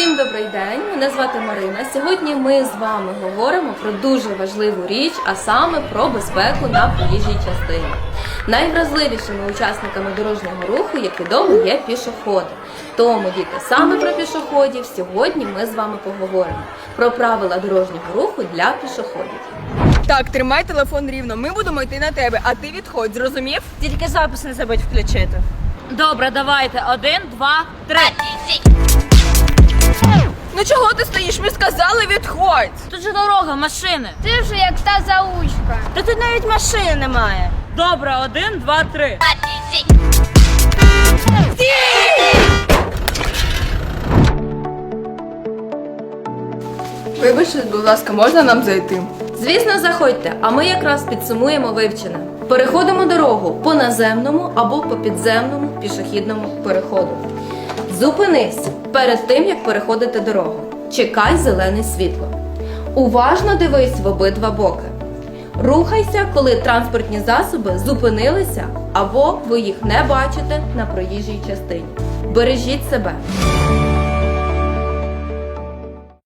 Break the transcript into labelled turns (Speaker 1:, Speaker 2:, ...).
Speaker 1: Всім добрий день, мене звати Марина. Сьогодні ми з вами говоримо про дуже важливу річ, а саме про безпеку на проїжджій частині. Найвразливішими учасниками дорожнього руху, як відомо, є пішоходи. Тому, діти, саме про пішоходів сьогодні ми з вами поговоримо. Про правила дорожнього руху для пішоходів.
Speaker 2: Так, тримай телефон рівно, ми будемо йти на тебе, а ти відходь, зрозумів?
Speaker 3: Тільки запис не забудь включити. Добре, давайте. 1, 2, 3.
Speaker 2: Ну чого ти стоїш? Ми сказали, відходь!
Speaker 3: Тут же дорога, машини.
Speaker 4: Ти вже як та заучка.
Speaker 3: Та тут навіть машини немає. Добре, 1, 2, 3.
Speaker 2: Вибачте, будь ласка, можна нам зайти?
Speaker 1: Звісно, заходьте, а ми якраз підсумуємо вивчене. Переходимо дорогу по наземному або по підземному пішохідному переходу. Зупинись перед тим, як переходити дорогу. Чекай зелене світло. Уважно дивись в обидва боки. Рухайся, коли транспортні засоби зупинилися або ви їх не бачите на проїжджій частині. Бережіть себе.